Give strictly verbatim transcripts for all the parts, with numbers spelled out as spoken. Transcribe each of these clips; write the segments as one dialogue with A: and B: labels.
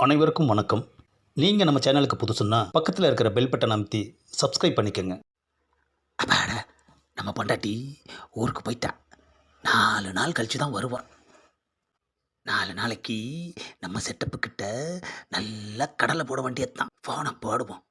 A: அனைவருக்கும் வணக்கம். நீங்கள் நம்ம சேனலுக்கு புதுசுன்னா பக்கத்தில் இருக்கிற பெல் பட்டன் அமைத்தி சப்ஸ்கிரைப் பண்ணிக்கோங்க.
B: அப்பாடா, நம்ம பொண்டாட்டி ஊருக்கு போயிட்டா. நாலு நாள் கழிச்சு தான் வருவான். நாலு நாளைக்கு நம்ம செட்டப்பு கிட்ட நல்லா கடலை போட வேண்டியது தான். ஃபோனை போடுவோம்.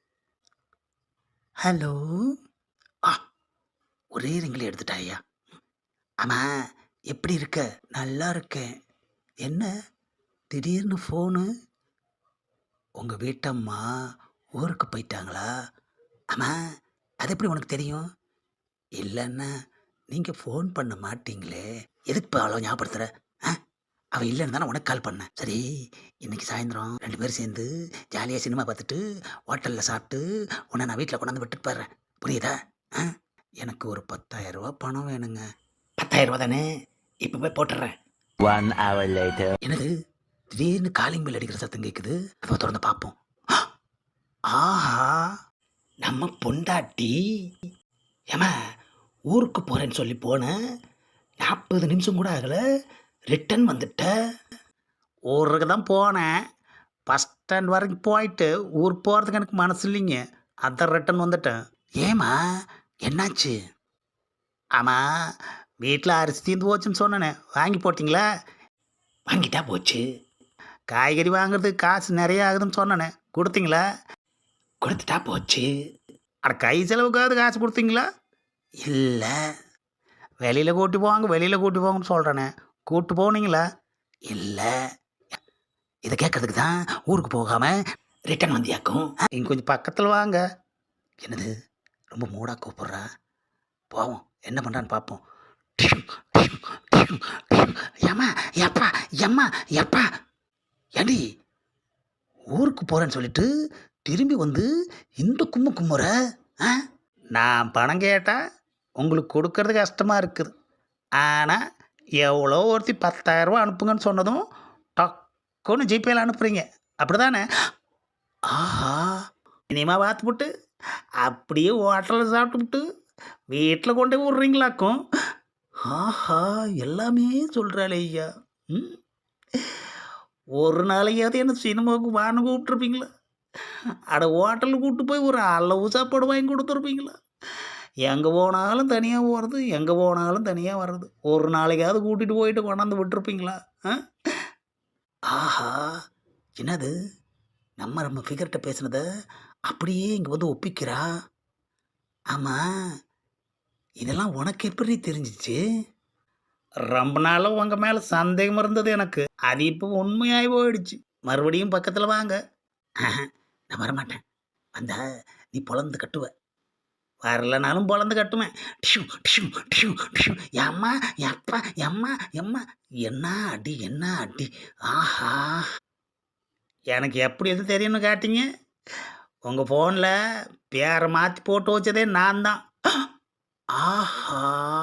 B: ஹலோ. ஆ, ஒரே ரிங்கில் எடுத்துட்டாயா? ஆமாம், எப்படி இருக்க? நல்லா இருக்கேன். என்ன திடீர்னு ஃபோனு? உங்கள் வீட்டம்மா ஊருக்கு போயிட்டாங்களா? ஆமாம், அது எப்படி உனக்கு தெரியும்? இல்லைன்னா நீங்கள் ஃபோன் பண்ண மாட்டீங்களே, எதுக்கு இப்போ அவ்வளோ ஞாபகப்படுத்துகிற? ஆ, அவள் இல்லைன்னு தானே உனக்கு கால் பண்ணேன். சரி, இன்னைக்கு சாயந்தரம் ரெண்டு பேரும் சேர்ந்து ஜாலியாக சினிமா பார்த்துட்டு ஹோட்டலில் சாப்பிட்டு உன்னை நான் வீட்டில் கொண்டாந்து விட்டுட்டு போடுறேன். புரியுதா? ஆ, எனக்கு ஒரு பத்தாயிரம் ரூபா பணம் வேணுங்க. பத்தாயிரம் ரூபா தானே, இப்போ போய் போட்டுடுறேன்.
C: One hour later.
B: என்னது திடீர்னு காலிங் பெல் அடிக்கிற சத்தம் கேட்குது. அதை திறந்து பார்ப்போம். ஆஹா, நம்ம பொண்டாட்டி. ஏமா, ஊருக்கு போகிறேன்னு சொல்லி போனேன், நாற்பது நிமிஷம் கூட ஆகலை, ரிட்டன் வந்துட்ட. ஊருக்கு தான் போனேன், பஸ் ஸ்டாண்ட் வரைக்கும் போயிட்டு ஊர் போகிறதுக்கு எனக்கு மனசு இல்லைங்க, அதான் ரிட்டன் வந்துட்டேன். ஏமா, என்னாச்சு? ஆமாம், வீட்டில் அரிசி தீர்ந்து போச்சுன்னு சொன்னேனே, வாங்கி போட்டிங்களா? வாங்கிட்டா போச்சு. காய்கறி வாங்குறதுக்கு காசு நிறைய ஆகுதுன்னு சொன்னேனே, கொடுத்தீங்களா? கொடுத்துட்டா போச்சு. அட, கை செலவுக்காவது காசு கொடுத்தீங்களா? இல்லை. வெளியில் கூட்டி போவாங்க வெளியில் கூட்டி போங்கன்னு சொல்கிறேனே, கூப்பிட்டு போனீங்களா? இல்லை. இதை கேட்கறதுக்கு தான் ஊருக்கு போகாமல் ரிட்டன் வந்தியாக்கும். இங்கே கொஞ்சம் பக்கத்தில் வாங்க. என்னது, ரொம்ப மூடாக கூப்பிட்றா. போவோம், என்ன பண்ணுறான்னு பார்ப்போம். ஏம்மா, எப்பா எம்மா எப்பா, ஏண்டி ஊருக்கு போகிறேன்னு சொல்லிட்டு திரும்பி வந்து இந்த கும்மு கும்முற? ஆ, நான் பணம் கேட்டால் உங்களுக்கு கொடுக்கறது கஷ்டமாக இருக்குது, ஆனால் எவ்வளோ ஒருத்தி பத்தாயிரரூபா அனுப்புங்கன்னு சொன்னதும் டக்குன்னு ஜிபேயில் அனுப்புகிறீங்க, அப்படி தானே? ஆஹா, இனிமா பார்த்துப்புட்டு அப்படியே ஹோட்டலில் சாப்பிட்டுவிட்டு வீட்டில் கொண்டு போய் விட்றீங்களாக்கும். ஆஹா, எல்லாமே சொல்கிறாளே ஐயா. ம், ஒரு நாளையாவது என்ன சினிமாவுக்கு வான்னு கூப்பிட்ருப்பீங்களா? அட, ஹோட்டலுக்கு கூப்பிட்டு போய் ஒரு அளவு சாப்பாடு வாங்கி கொடுத்துருப்பீங்களா? எங்கே போனாலும் தனியாக போகிறது, எங்கே போனாலும் தனியாக வர்றது, ஒரு நாளைக்காவது கூட்டிகிட்டு போயிட்டு கொண்டாந்து விட்டுருப்பீங்களா? ஆ, ஆஹா, என்னது, நம்ம நம்ம ஃபிகர்கிட்ட பேசுனதை அப்படியே இங்கே வந்து ஒப்பிக்கிறா. ஆமாம், இதெல்லாம் உனக்கு எப்படி தெரிஞ்சிச்சு? ரொம்ப நாளாக உங்கள் மேலே சந்தேகம் இருந்தது எனக்கு, அது இப்போ உண்மையாகி போயிடுச்சு. மறுபடியும் பக்கத்தில் வாங்க. நான் வரமாட்டேன். வந்தா நீ பொழந்து கட்டுவ, வரலனாலும் பொழந்து கட்டுவேன். டிஷு டிஷு டிஷு டிஷு. எம்மா எப்பா எம்மா எம்மா, என்ன அடி என்ன அடி. ஆஹா, எனக்கு எப்படி எது தெரியும்னு காட்டிங்க? உங்கள் ஃபோனில் பேரை மாற்றி போட்டு வச்சதே நான் தான். ஆஹா,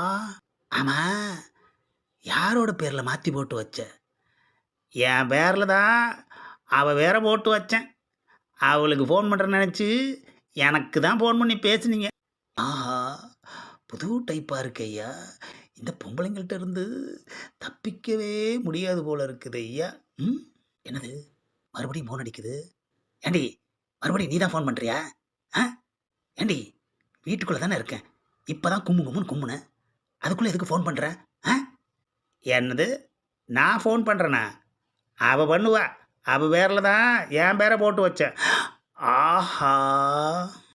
B: ஆமாம், யாரோட பேரில் மாற்றி போட்டு வச்ச? என் பேரில் தான். அவள் வேற போட்டு வச்சேன். அவளுக்கு ஃபோன் பண்ணுறேன்னு நினச்சி எனக்கு தான் ஃபோன் பண்ணி பேசுனீங்க. ஆஹா, புது டைப்பாக இருக்கு ஐயா. இந்த பொம்பளைங்கள்ட்ட இருந்து தப்பிக்கவே முடியாது போல இருக்குது ஐயா. ம், என்னது, மறுபடியும் ஃபோன் அடிக்குது. ஏண்டி, மறுபடியும் நீ தான் ஃபோன் பண்ணுறியா? ஆ, ஏண்டி, வீட்டுக்குள்ளே தானே இருக்கேன், இப்போ தான் கும்மு கும்முன்னு கும்முனேன், அதுக்குள்ளே எதுக்கு ஃபோன் பண்ணுற? ஆ, என்னது, நான் ஃபோன் பண்ணுறேண்ணா? அவள் பண்ணுவா, அவள் பேரில் தான் என் பேரை போட்டு வச்சேன். ஆஹா,